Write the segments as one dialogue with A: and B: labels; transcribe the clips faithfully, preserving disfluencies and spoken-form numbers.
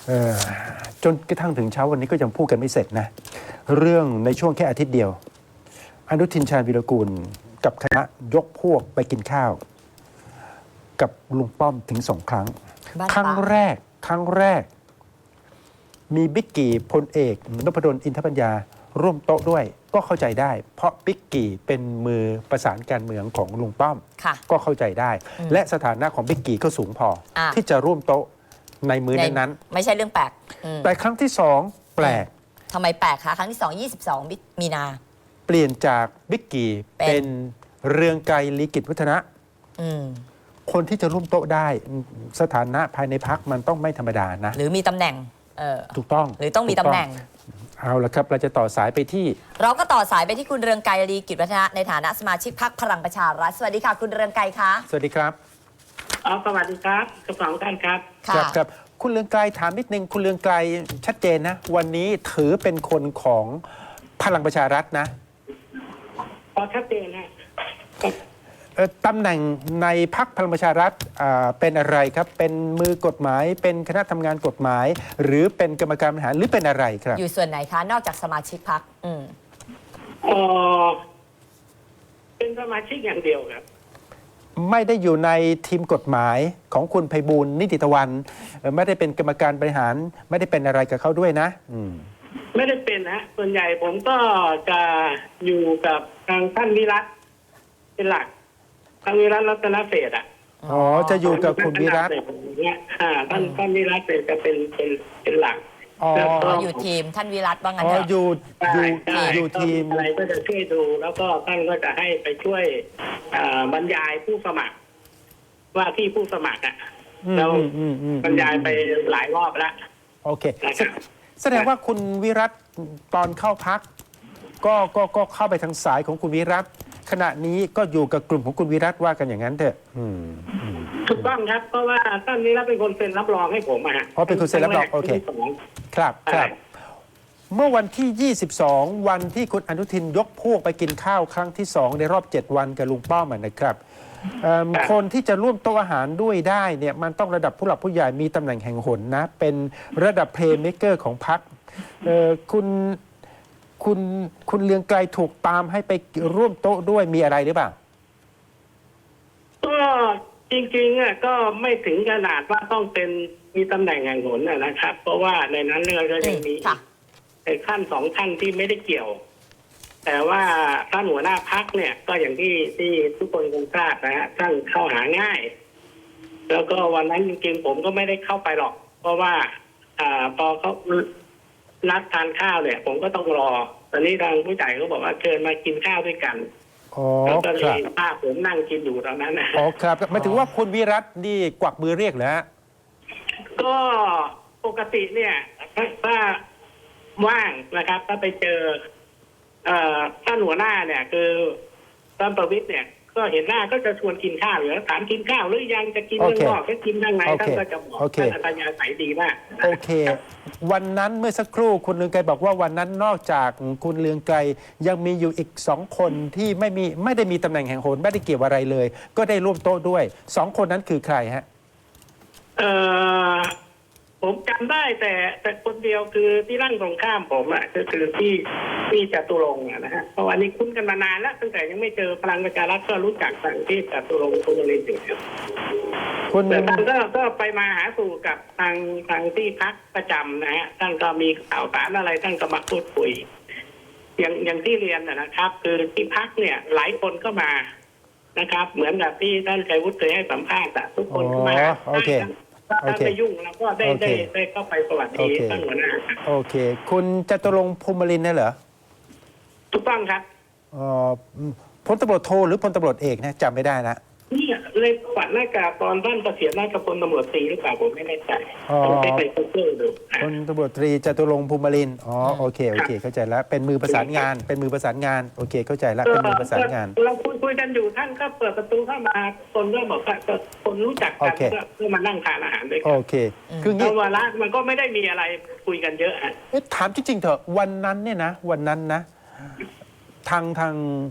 A: ออจนกระทั่งถึงเช้าวันนี้ก็ยังพูดกันไม่เสร็จนะเรื่องในช่วงแค่อาทิตย์เดียวอนุทินชาญวีรกูลกับคณะยกพวกไปกินข้าวกับลุงป้อมถึงสองครั้งครั้งแรกครั้งแรกมีบิ๊กกี้พลเอกนพดลอินทปัญญาร่วมโต๊ะด้วยก็เข้าใจได้ เพราะบิ๊กกี้เป็นมือประสานการเมืองของลุงป้อมก็เข้าใจได้และสถานะของบิ๊กกี้ก็สูงพออที่จะร่วมโต๊ะในมือนั้นๆ
B: ไม่ใช่เรื่องแปลก
A: แต่ครั้งที่สองแปลก
B: ทำไมแปลกคะครั้งที่สองยี่สิบสองมีนา
A: เปลี่ยนจากบิ๊กกี้เป็นเรืองไกรลีกิจวัฒนะคนที่จะร่วมโต๊ะได้สถานะภายในพรรคมันต้องไม่ธรรมดานะ
B: หรือมีตำแหน่ง
A: ถูกต้อง
B: หรือต้องมีตำแหน่ง
A: เอาละครับเราจะต่อสายไปที่
B: เราก็ต่อสายไปที่คุณเรืองไกรลีกิจวัฒนะในฐานะสมาชิกพรรคพลังประชารัฐสวัสดีค่ะคุณเรืองไกรคะ
A: สวัสดีครับ
C: อ๋อสวัสดีครับทั้งสองท่านครับ
A: ครับครับคุณเรืองไกรถามนิดนึงคุณเรืองไกรชัดเจนนะวันนี้ถือเป็นคนของพลังประชารัฐนะ
C: พอชัดเจนนะ
A: ตำแหน่งในพรรคพลังประชารัฐเป็นอะไรครับเป็นมือกฎหมายเป็นคณะทำงานกฎหมายหรือเป็นกรรมการบริหารหรือเป็นอะไรครับ
B: อยู่ส่วนไหนคะนอกจากสมาชิกพรรคอืม
C: อ๋อเป็นสมาชิกอย่างเดียวครับ
A: ไม่ได้อยู่ในทีมกฎหมายของคุณไพบูลย์นิติตะวันไม่ได้เป็นกรรมการบริหารไม่ได้เป็นอะไรกับเขาด้วยนะอืม
C: ไม่ได้เป็นนะส่วนใหญ่ผมก็จะอยู่กับทางท่านวิรัตเป็นหลักทางวิรัตรัตนเศรษฐ์อ่ะ
A: อ๋อจะอยู่กับคุณวิรัต
C: เนี่ยอ่าท่านท่านวิรัตจะเป็นเป็นเป็นหลัก
B: อ๋ออยู่ทีมท่านวิรัตว่างั้น
A: เถ
B: อะ
A: อยู่อยู่อยู่ทีม
C: อะไรก็จะช่วยดูแล้วก็ท่านก็จะให้ไปช่วยบรรยายผู้สมัครว่าที่ผู้สมัครอ่ะเราบรรยายไปหลายรอบแล้ว
A: โอเคแสดงว่าคุณวิรัตตอนเข้าพักก็ก็ก็เข้าไปทางสายของคุณวิรัตขณะนี้ก็อยู่กับกลุ่มของคุณวิรัตว่ากันอย่างนั้นเถอะ
C: ถูกต้องครับเพราะว่าท่านวิรัตเป็นคนเซ็นรับรองให้ผมอ่ะ
A: อ๋อเป็นคนเซ็นรับรองโอเคครับครับเมื่อวันที่ยี่สิบสองวันที่คุณอนุทินยกพวกไปกินข้าวครั้งที่สองในรอบเจ็ดวันกับลุงป้อมนะครับคนที่จะร่วมโต๊ะอาหารด้วยได้เนี่ยมันต้องระดับผู้หลักผู้ใหญ่มีตำแหน่งแห่งหนนะเป็นระดับเพลย์เมคเกอร์ของพรรคคุณคุณคุณเรืองไกรถูกตามให้ไปร่วมโต๊ะด้วยมีอะไรหรือเปล่า
C: ก็จริงๆอ่ะก็ไม่ถึงขนาดว่าต้องเป็นมีตำแหน่งแห่งหนนะครับเพราะว่าในนั้นเราก็ยังมีขั้นสองท่านที่ไม่ได้เกี่ยวแต่ว่าท่านหัวหน้าพรรคเนี่ยก็อย่างที่ที่ทุกคนคงทราบนะฮะท่านเข้าหาง่ายแล้วก็วันนั้นจริงๆผมก็ไม่ได้เข้าไปหรอกเพราะว่าอ่าพอเขานัดทานข้าวเนี่ยผมก็ต้องรอตอนนี้ทางผู้ใหญ่เขาบอกว่าเชิญมากินข้าวด้วยกัน
A: แล้ว
C: ก็เลยภาพผมนั่งกินอยู่ตอนนั้นนะ
A: อ๋อครับหมายถึงว่าคุณวิรัตนี่กวักมือเรียกเหรอฮะ
C: ก็ปกติเนี่ยถ้าว่างนะครับถ้าไปเจอท่านหัวหน้าเนี่ยคือท่านประวิตรเนี่ยก็เห็นหน้าก็จะชวนกินข้าวอยู่แล้วถามกินข้าวหรือยังจะกินข้างนอกก็กินข้างในท่านก็จะบอกท่านอัธยาศัยดีมาก
A: โอเควันนั้นเมื่อสักครู่คุณเรืองไกรบอกว่าวันนั้นนอกจากคุณเรืองไกรยังมีอยู่อีกสองคนที่ไม่มีไม่ได้มีตำแหน่งแห่งหนไม่ได้เกี่ยวอะไรเลยก็ได้ร่วมโต๊ะด้วยสองคนนั้นคือใครฮะ
C: เออผมจำได้แต่แต่คนเดียวคือที่ร่างตรงข้ามผมอ่ะก็คือที่ที่จตุรงค์นะฮะเพราะวันนี้คุ้นกันมานานแล้วตั้งแต่ยังไม่เจอพลังประชารัฐก็รู้จักทางที่จตุรงค์คุณบริสุทธิ์คุณแต่ท่านก็ก็ไปมาหาสู่กับทางทางที่พักประจำนะฮะท่านก็มีข่าวสารอะไรท่านก็มาพูดคุยอย่างอย่างที่เรียนนะครับ คือที่พักเนี่ยหลายคนก็มานะครับเหมือนกับที่ท่านชัยวุฒิเคยให้สัมภาษณ์ทุกคนก็มา
A: โอเค
C: ถ้าไม่ยุ่งเราก็ได้ได้ได้เข้าไปสวัสดีท่านหัวหน้า
A: โอเคคุณจตุรงค์ภูมิลินทร์นี่เหรอ
C: ถูกต้องครับ
A: อ๋อพลตำรวจโทหรือพลตำรวจเอกนะจำไม่ได้นะ
C: นี่เลยปัดหน้ากากตอนท่านเกษียณราชพลตำรวจตรีหรือเปล่าผมไม่แน่ใจต้องไปไปเพิ่มดู
A: พลตำรวจตรีจตุรงค์ภูมิลินทร์อ๋อโอเคโอเคเข้าใจแล้วเป็นมือประสานงานเป็นมือประสานงานโอเคเข้าใจแล้วเป็นมือประสานงาน
C: เราคุยคุยกันอยู่ท่านก็เปิดประตูเข้ามาคนก็บอกว่าคนรู้จักกันก็มานั่งทานอาหารด้วยกัน
A: โอเค
C: คืองี้วาระมันก็ไม่ได้มีอะไรคุยกันเยอะอ่ะ
A: ถามจริงๆเถอะวันนั้นเนี่ยนะวันนั้นนะทางทาง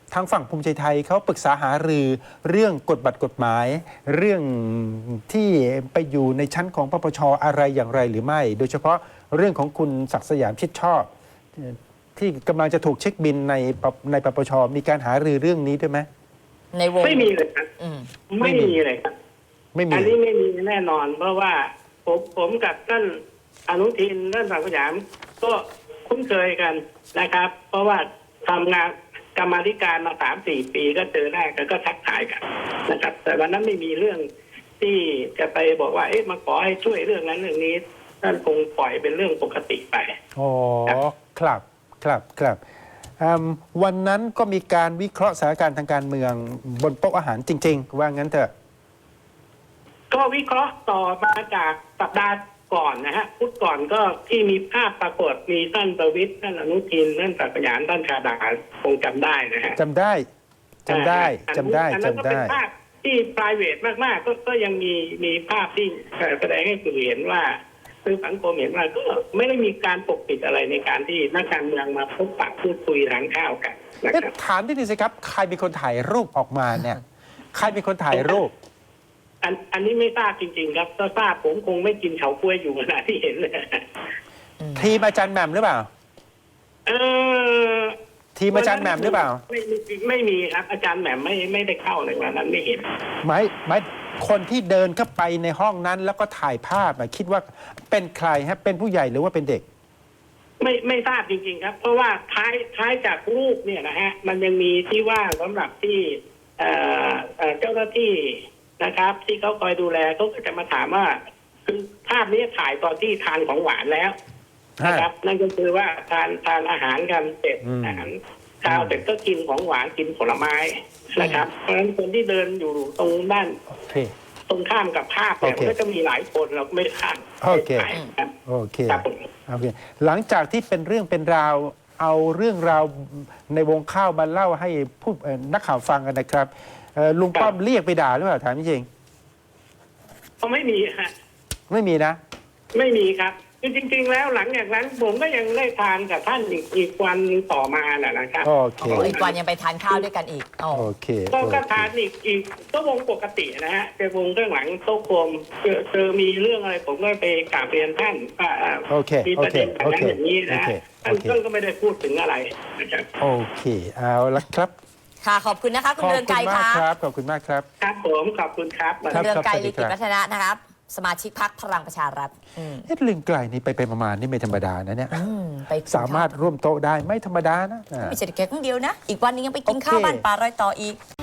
A: ทางฝั่งภูมิใจไทยเขาปรึกษาหารือเรื่องกฎบัตรกฎหมาย เรื่องที่ไปอยู่ในชั้นของปปชอะไรอย่างไรหรือไม่ โดยเฉพาะเรื่องของคุณศักดิ์สยามชิดชอบ ที่กำลังจะถูกเช็คบินในปปในปปชมีการหารือเรื่องนี้ด้วยไหม
B: ในวง
C: ไม่มีเลยครับ
B: อืม
C: ไม่มีเลยครับ
A: ไม่มี
C: อันนี้ไม่มีแน่นอน เพราะว่าผมผมกับท่านอนุทินท่านศักดิ์สยามก็คุ้นเคยกันนะครับ เพราะว่าทำงานกรรมาธิการมาสามสี่ปีก็เจอหน้ากันก็ทักทายกันนะครับ แต่วันนั้นไม่มีเรื่องที่จะไปบอกว่าเอ๊ะมาขอให้ช่วยเรื่องนั้นเรื่องนี้ท่านคงปล่อยเป็นเรื่องปกติไป
A: อ๋อครับครับครับอืมวันนั้นก็มีการวิเคราะห์สถานการณ์ทางการเมืองบนโต๊ะอาหารจริง ๆ ว่างั้นเถอะ
C: ก็วิเคราะห์ต่อมาจากสัปดาห์ก่อนนะฮะพุธก่อนก็ที่มีภาพปรากฏมีท่านประวิตรท่านอนุทินท่านศักดิ์สยามท่านชาดาคงจำได้นะฮะ
A: จำได้จำได้
C: อ่า
A: จำได้
C: อันนั้นก็
A: จำ
C: เป็น
A: ได้
C: ภาพที่ private มากๆก็ก็ยังมีมีภาพที่แสดงให้สื่อเห็นว่าคือสังคมเห็นว่าก็ไม่ได้มีการปกปิดอะไรในการที่นักการเมืองมาพบปะพูดคุยทานข้าวกันนะ
A: เอ๊ะ
C: ครับ
A: ถามที่นี่สิครับ ใครเป็นคนถ่ายรูปออกมาเนี่ย ใครเป็นคนถ่ายรูป
C: อันอันนี้ไม่ทราบจริง ๆ ครับถ้าทราบผมคงไม่กินเฉาก้วยอยู่ขณะที่เห็นเลย
A: ทีมอาจารย์แหม่มหรือเปล่า
C: เออ
A: ทีมอาจารย์แหม่มหรือเปล่า
C: ไม่ไม่ไม่มีครับ อาจารย์แหม่มไม่ไม่ได้เข้าในวันนั้นไม่เห็น
A: หมายหมายคนที่เดินเข้าไปในห้องนั้น แล้วก็ถ่ายภาพอะคิดว่าเป็นใครฮะเป็นผู้ใหญ่หรือว่าเป็นเด็ก
C: ไม่ไม่ทราบจริง ๆ ครับ เพราะว่าท้ายท้ายจากรูปเนี่ยนะฮะมันยังมีที่ว่างสำหรับที่เอ่อเอ่อเจ้าหน้าที่นะครับ ที่เขาคอยดูแลเขาก็จะมาถามว่าคือภาพนี้ถ่ายตอนที่ทานของหวานแล้วนะครับ นั่นก็คือว่าทานทานอาหารกันเสร็จ
A: อืม
C: อาหารข้าวเสร็จก็กินของหวานกินผลไม้นะครับ เพราะฉะนั้นคนที่เดินอยู่ตรงด้าน
A: โอเค
C: ตรงข้ามกับภาพเนี่ย
A: โอเค
C: มันก็จะมีหลายคนเราก็ไม่ทราบ
A: โอเค
C: ไม่ถ่ายครับ
A: โอเค
C: ครับผม
A: โอเค หลังจากที่เป็นเรื่องเป็นราว เอาเรื่องราวในวงข้าวมาเล่าให้ผู้เอ่อนักข่าวฟังกันนะครับเอ่อลุงป้อมเรียกไปด่าหรือเปล่าถามจริง
C: เขาไม่มีฮะ
A: ๆไม่มีนะ
C: ไม่มีครับคือจริง ๆ แล้วหลังจากนั้นผมก็ยังได้ทานกับท่านอีกอีกวันต่อมาน่ะนะครับ
A: โอเค
B: อ๋ออีกวันยังไปทานข้าวด้วยกันอีกอ๋อ
A: โอเค
C: ก็
A: โอ
C: ก็
A: เค
C: ทานอีกอีกก็วงปกตินะฮะเป็นวงเรื่องหลังโต๊ะกลมเจอเจอมีเรื่องอะไรผมก็ไปกราบเรียนท่านว่าอ่า
A: โอเค
C: มี
A: โอ
C: ประ
A: เค
C: เด็นอย่าง
A: โอ
C: นั้น
A: เค
C: อย่างนี้นะ
A: โอเค
C: ฮะท่าน
A: โอเค
C: ท่านก็ไม่ได้พูดถึงอะไรนะครับ
A: โอเค เอาละครับ
B: ค่ะขอบคุณนะคะ คุ
A: ข
B: ณ
A: อบ
B: เรือง
A: คุ
B: ไกร
A: ณมาก
B: ค่ะ
A: ครับ ขอบคุณมากครับ
C: ครับผมขอบคุณครับ
A: ครับ
B: เรืองไกร
A: สวัสดี
B: ลี
A: ครั
B: กิจ
A: บ
B: วัฒนะนะครับ สมาชิกพรรคพลังประชารัฐอืม
A: เอ๊ะเรื่องไกลนี่ไปไปประมาณนี่ไม่ธรรมดานะเนี่ย
B: อืมไปกิน
A: สามารถร่วมโต๊ะได้ไม่ธรรมดานะอ่า
B: ไม่ใช่แค่ครั้งเดียวนะ อีกวันนึงยังไปกิน
A: โอเค
B: ข้าวบ้านป่ารอยต่ออีก